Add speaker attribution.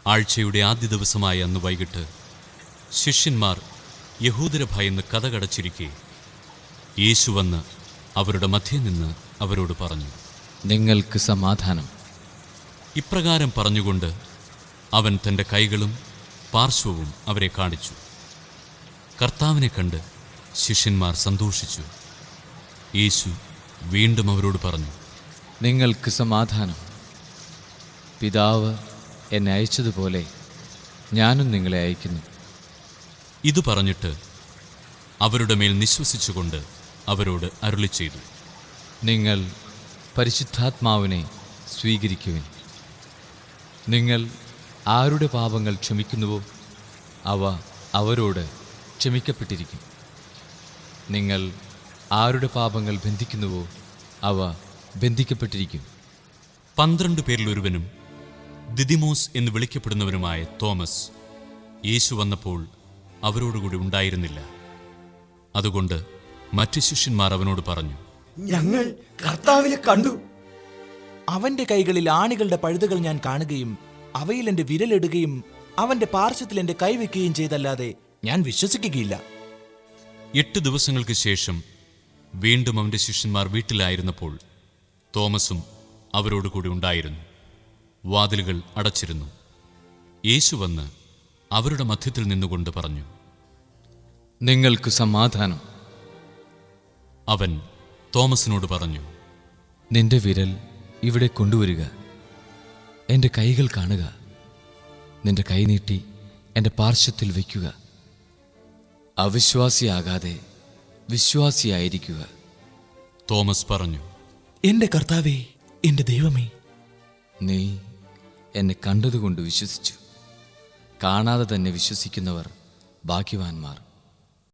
Speaker 1: ആഴ്ചയുടെ ആദ്യ ദിവസമായ അന്ന് വൈകിട്ട് ശിഷ്യന്മാർ യഹൂദരെ ഭയന്ന് കതകടച്ചിരിക്കെ യേശു വന്ന് അവരുടെ മധ്യേ നിന്ന് അവരോട് പറഞ്ഞു,
Speaker 2: നിങ്ങൾക്ക് സമാധാനം.
Speaker 1: ഇപ്രകാരം പറഞ്ഞുകൊണ്ട് അവൻ തൻ്റെ കൈകളും പാർശ്വവും അവരെ കാണിച്ചു. കർത്താവിനെ കണ്ട് ശിഷ്യന്മാർ സന്തോഷിച്ചു. യേശു വീണ്ടും അവരോട് പറഞ്ഞു,
Speaker 2: നിങ്ങൾക്ക് സമാധാനം. പിതാവ് എന്നെ അയച്ചതുപോലെ ഞാനും നിങ്ങളെ അയക്കുന്നു.
Speaker 1: ഇതു പറഞ്ഞിട്ട് അവരുടെ മേൽ നിശ്വസിച്ചുകൊണ്ട് അവരോട് അരുളിച്ചെയ്തു,
Speaker 2: നിങ്ങൾ പരിശുദ്ധാത്മാവിനെ സ്വീകരിക്കുവിൻ. നിങ്ങൾ ആരുടെ പാപങ്ങൾ ക്ഷമിക്കുന്നുവോ അവ അവരോട് ക്ഷമിക്കപ്പെട്ടിരിക്കും. നിങ്ങൾ ആരുടെ പാപങ്ങൾ ബന്ധിക്കുന്നുവോ അവ ബന്ധിക്കപ്പെട്ടിരിക്കും.
Speaker 1: 12 പേരിൽ ഒരുവനും ദിദിമോസ് എന്ന് വിളിക്കപ്പെടുന്നവനുമായ തോമസ് യേശു വന്നപ്പോൾ അവരോടുകൂടി ഉണ്ടായിരുന്നില്ല. അതുകൊണ്ട് മറ്റു ശിഷ്യന്മാർ അവനോട് പറഞ്ഞു,
Speaker 3: ഞങ്ങൾ കർത്താവിനെ കണ്ടു. അവന്റെ കൈകളിൽ ആണികളുടെ പഴുതുകൾ ഞാൻ കാണുകയും അവയിൽ എന്റെ വിരലിടുകയും അവന്റെ പാർശ്വത്തിൽ എന്റെ കൈവയ്ക്കുകയും ചെയ്തല്ലാതെ ഞാൻ വിശ്വസിക്കുകയില്ല.
Speaker 1: 8 ദിവസങ്ങൾക്ക് ശേഷം വീണ്ടും അവന്റെ ശിഷ്യന്മാർ വീട്ടിലായിരുന്നപ്പോൾ തോമസും അവരോടുകൂടി ഉണ്ടായിരുന്നു. വാതിലുകൾ അടച്ചിരുന്നു. യേശു വന്ന് അവരുടെ മധ്യത്തിൽ നിന്നുകൊണ്ട് പറഞ്ഞു,
Speaker 2: നിങ്ങൾക്ക് സമാധാനം.
Speaker 1: അവൻ തോമസിനോട് പറഞ്ഞു,
Speaker 2: നിന്റെ വിരൽ ഇവിടെ കൊണ്ടുവരിക, എൻ്റെ കൈകൾ കാണുക. നിന്റെ കൈ നീട്ടി എൻ്റെ പാർശ്വത്തിൽ വയ്ക്കുക. അവിശ്വാസിയാകാതെ വിശ്വാസിയായിരിക്കുക.
Speaker 1: തോമസ് പറഞ്ഞു,
Speaker 3: എന്റെ കർത്താവേ, എന്റെ ദൈവമേ.
Speaker 2: നീ എന്നെ കണ്ടതുകൊണ്ട് വിശ്വസിച്ചു. കാണാതെ തന്നെ വിശ്വസിക്കുന്നവർ ഭാഗ്യവാന്മാർ.